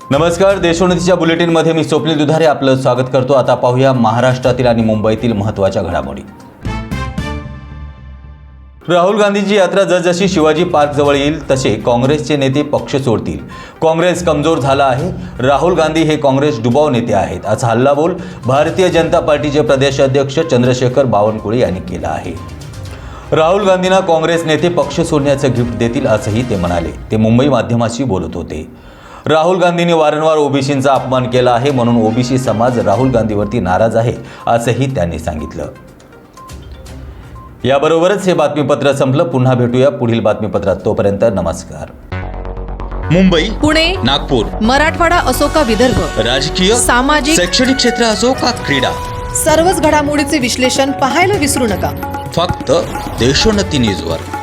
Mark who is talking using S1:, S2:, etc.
S1: नमस्कार, देशोन्नतीच्या बुलेटिनमध्ये मी स्वप्नील दुधारे आपलं स्वागत करतो। आता पाहूया महाराष्ट्रातील आणि मुंबईतील महत्त्वाच्या घडामोडी। राहुल गांधींची यात्रा जसजशी शिवाजी पार्क जवळ येईल तसे काँग्रेसचे नेते पक्ष सोडतील। काँग्रेस कमजोर झाला आहे, राहुल गांधी हे काँग्रेस डुबाव नेते आहेत, असा हल्लाबोल भारतीय जनता पार्टीचे प्रदेश अध्यक्ष चंद्रशेखर बावनकुळे यांनी केला आहे। राहुल गांधींना काँग्रेस नेते पक्ष सोडण्याचं गिफ्ट देतील असंही ते म्हणाले। ते मुंबई माध्यमाशी बोलत होते। राहुल गांधींनी वारंवार ओबीसींचा अपमान केला आहे, म्हणून ओबीसी समाज राहुल गांधीवरती नाराज आहे असंही त्यांनी सांगितलं। याबरोबरच हे बातमीपत्र संपलं। पुन्हा भेटूया पुढील बातमीपत्रात, तोपर्यंत नमस्कार।
S2: मुंबई,
S3: पुणे,
S2: नागपूर,
S3: मराठवाडा असो का विदर्भ,
S2: राजकीय,
S3: सामाजिक,
S2: शैक्षणिक क्षेत्र असो का क्रीडा,
S3: सर्वच घडामोडीचे विश्लेषण पाहायला विसरू नका।
S2: फक्त देशोन्नती न्यूजवर।